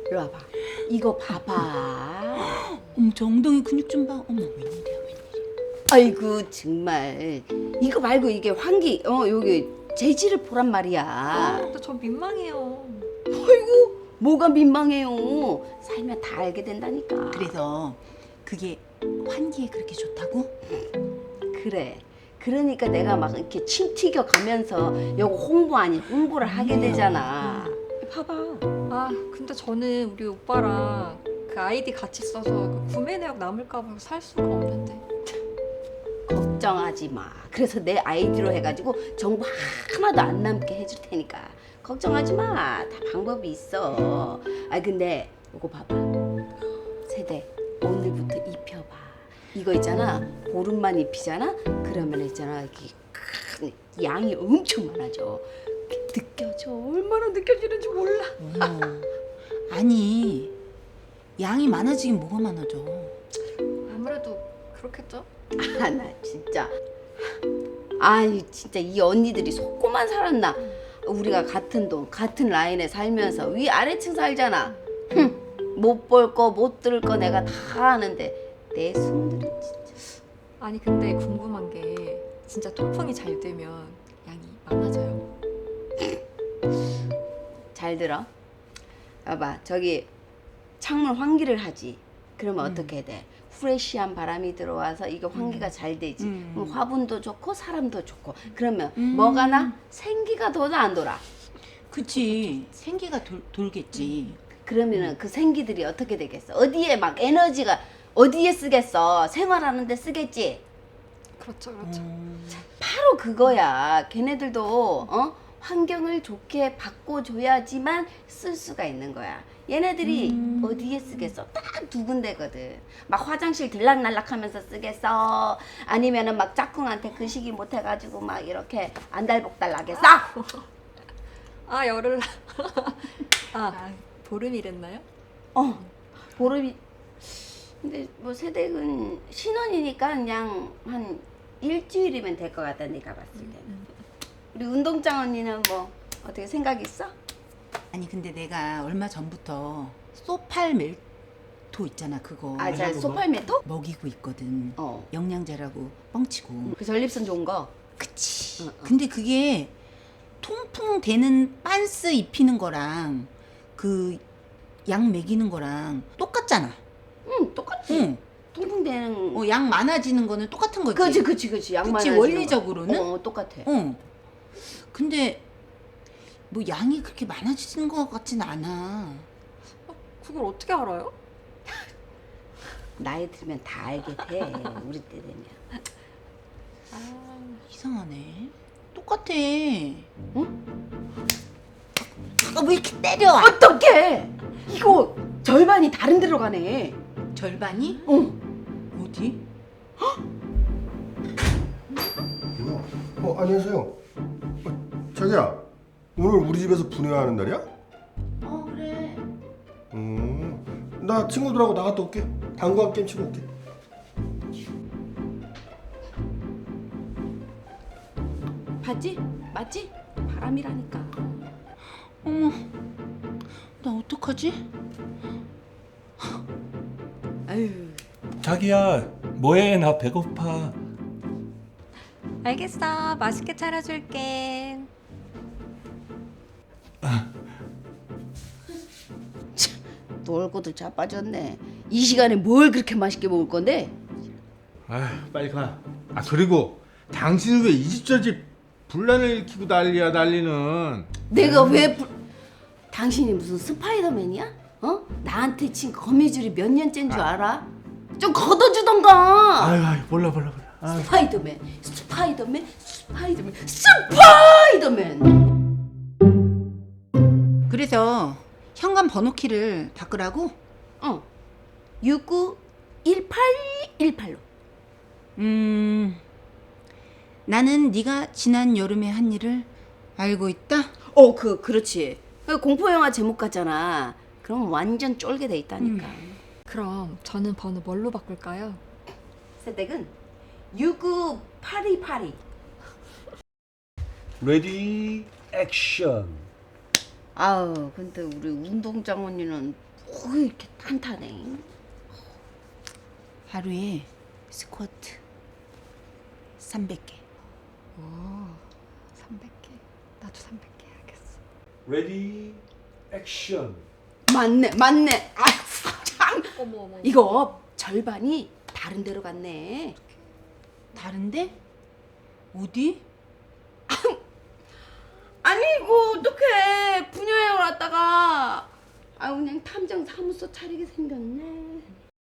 이리 와봐. 이거 봐봐. 어머 저 엉덩이 근육 좀 봐. 어머 웬일이야. 아이고 정말. 이거 말고 이게 환기 여기 재질을 보란 말이야. 근데 저 민망해요. 아이고 뭐가 민망해요. 살면 다 알게 된다니까. 그래서 그게 환기에 그렇게 좋다고? 그래. 그러니까 내가 막 이렇게 침 튀겨 가면서 요거 홍보 아닌 홍보를 하게 되잖아. 봐봐. 아, 근데 저는 우리 오빠랑 그 아이디 같이 써서 그 구매 내역 남을까 봐 살 수가 없는데. 걱정하지 마. 그래서 내 아이디로 해가지고 정보 하나도 안 남게 해줄 테니까 걱정하지 마. 다 방법이 있어. 아 근데 요거 봐봐. 세대 오늘부터 입혀봐. 이거 있잖아. 보름만 입히잖아. 그러면 있잖아 이렇게 큰 양이 엄청 많아져. 느껴져. 얼마나 느껴지는지 몰라. 어머. 아니 양이 많아지긴 뭐가 많아져. 아무래도 그렇겠죠? 아 나 진짜 아니 진짜 이 언니들이 속고만 살았나. 우리가 같은 동 같은 라인에 살면서 위 아래층 살잖아. 못 볼 거 못 들을 거 내가 다 아는데 내 손들은 진짜. 아니 근데 궁금한 게 진짜 통풍이 잘 되면 양이 많아져요? 잘 들어. 봐봐 저기 창문 환기를 하지. 그러면 어떻게 돼? 프레시한 바람이 들어와서 이게 환기가 잘 되지. 그럼 화분도 좋고 사람도 좋고. 그러면 뭐가 나? 생기가 더 안 돌아. 그치 생기가 돌겠지. 그러면은 그 생기들이 어떻게 되겠어? 어디에 막 에너지가 어디에 쓰겠어? 생활하는데 쓰겠지. 그렇죠, 그렇죠. 바로 그거야. 걔네들도 환경을 좋게 바꿔줘야지만 쓸 수가 있는 거야. 얘네들이 어디에 쓰겠어? 딱 두 군데거든. 막 화장실 들락날락하면서 쓰겠어? 아니면은 막 짝꿍한테 그 시기 못해가지고 막 이렇게 안달복달나게 써? 아, 열을. 아, 보름이랬나요? 보름이. 근데 뭐 세댁은 신혼이니까 그냥 한 일주일이면 될 것 같다 내가 봤을 때는. 우리 운동장 언니는 뭐 어떻게 생각 있어? 아니 근데 내가 얼마 전부터 소팔멜토 있잖아 그거 자 소팔메토? 먹이고 있거든. 어. 영양제라고 뻥치고. 그 전립선 좋은 거. 그치. 근데 그게 통풍 되는 빤스 입히는 거랑 그 양 먹이는 거랑 똑같잖아. 응 똑같지. 응. 통풍되는. 양 많아지는 거는 똑같은 거지. 그치. 양만. 그치, 원리적으로는? 똑같아. 근데 뭐 양이 그렇게 많아지는 것 같진 않아. 그걸 어떻게 알아요? 나이 들면 다 알게 돼. 우리 때 되면. 이상하네. 똑같아. 응? 응? 왜 이렇게 때려? 어떡해? 이거 절반이 다른 데로 가네. 절반이? 응. 어디? 뭐야? 안녕하세요. 자기야, 오늘 우리 집에서 분회하는 날이야? 그래. 나 친구들하고 나갔다 올게. 당구한 게임 치고 올게. 봤지? 맞지? 바람이라니까. 어머, 나 어떡하지? 아유. 자기야 뭐해 나 배고파. 알겠어. 맛있게 차려줄게. 놀고도 자빠졌네. 이 시간에 뭘 그렇게 맛있게 먹을 건데? 아휴 빨리 가. 아 그리고 당신은 왜 이 집 저 집 분란을 일으키고 난리야 난리는. 내가 왜 당신이 무슨 스파이더맨이야? 나한테 친 거미줄이 몇 년째인 줄 알아? 좀 걷어주던가. 아유 몰라. 아유. 스파이더맨. 그래서 현관 번호키를 바꾸라고? 691818로. 나는 네가 지난 여름에 한 일을 알고 있다? 그렇지. 공포 영화 제목 같잖아. 그럼 완전 쫄게 돼 있다니까. 그럼 저는 번호 뭘로 바꿀까요? 세댁은 69828이. 레디 액션. 아우 근데 우리 운동장 언니는 이렇게 탄탄해. 하루에 스쿼트 300개. 오, 300개. 나도 300개 해야겠어. 레디 액션. 맞네. 아, 참. 어머. 이거 절반이 다른 데로 갔네. 다른데? 어디? 아니 이거 어떡해. 분녀회 왔다가 그냥 탐정 사무소 차리게 생겼네.